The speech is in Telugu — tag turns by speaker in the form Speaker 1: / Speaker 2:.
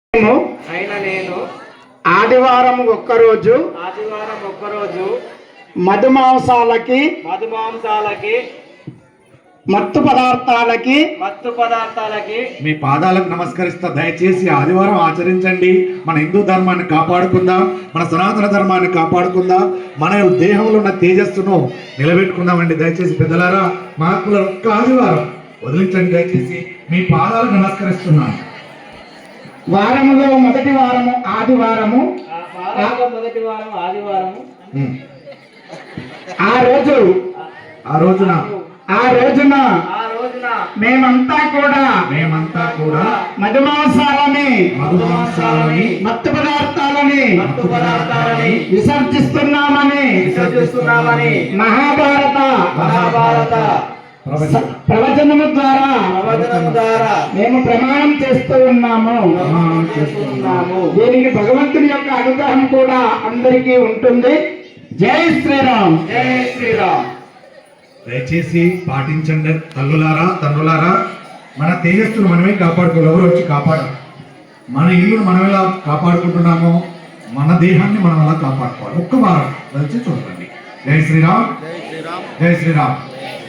Speaker 1: నేను
Speaker 2: ఆదివారం ఒక్కరోజు మధుమాంసాలకి మత్తు పదార్థాలకి
Speaker 3: మీ పాదాలకు నమస్కరిస్తా. దయచేసి ఆదివారం ఆచరించండి. మన హిందూ ధర్మాన్ని కాపాడుకుందాం, మన సనాతన ధర్మాన్ని కాపాడుకుందాం, మన దేహంలో ఉన్న తేజస్సును నిలబెట్టుకుందామండి. దయచేసి పెద్దలారా, మహాత్ముల ఒక్క ఆదివారం వదిలించండి. దయచేసి మీ పాదాలకు నమస్కరిస్తున్నాను.
Speaker 2: వారములో మొదటి వారము ఆదివారము. ఆ రోజున మేమంతా కూడా మధుమాంసాలని మత్తు పదార్థాలని విసర్జిస్తున్నామని మహాభారత ప్రవచనము ద్వారా మేము ప్రమాణం చేస్తూ ఉన్నాము. దీనికి భగవంతుని యొక్క అనుగ్రహం కూడా అందరికీ ఉంటుంది. జై శ్రీరామ్.
Speaker 1: జై శ్రీరామ్.
Speaker 3: దయచేసి పాటించండి. తండ్రులారా, మన తేజస్సును మనమే కాపాడుకోవాలి. ఎవరు వచ్చి కాపాడాలి? మన ఇల్లును మనం ఎలా కాపాడుకుంటున్నామో మన దేహాన్ని మనం ఎలా కాపాడుకోవాలి. ఒక్క వారం దయచేసి చూడండి. జై శ్రీరామ్. జై శ్రీరామ్.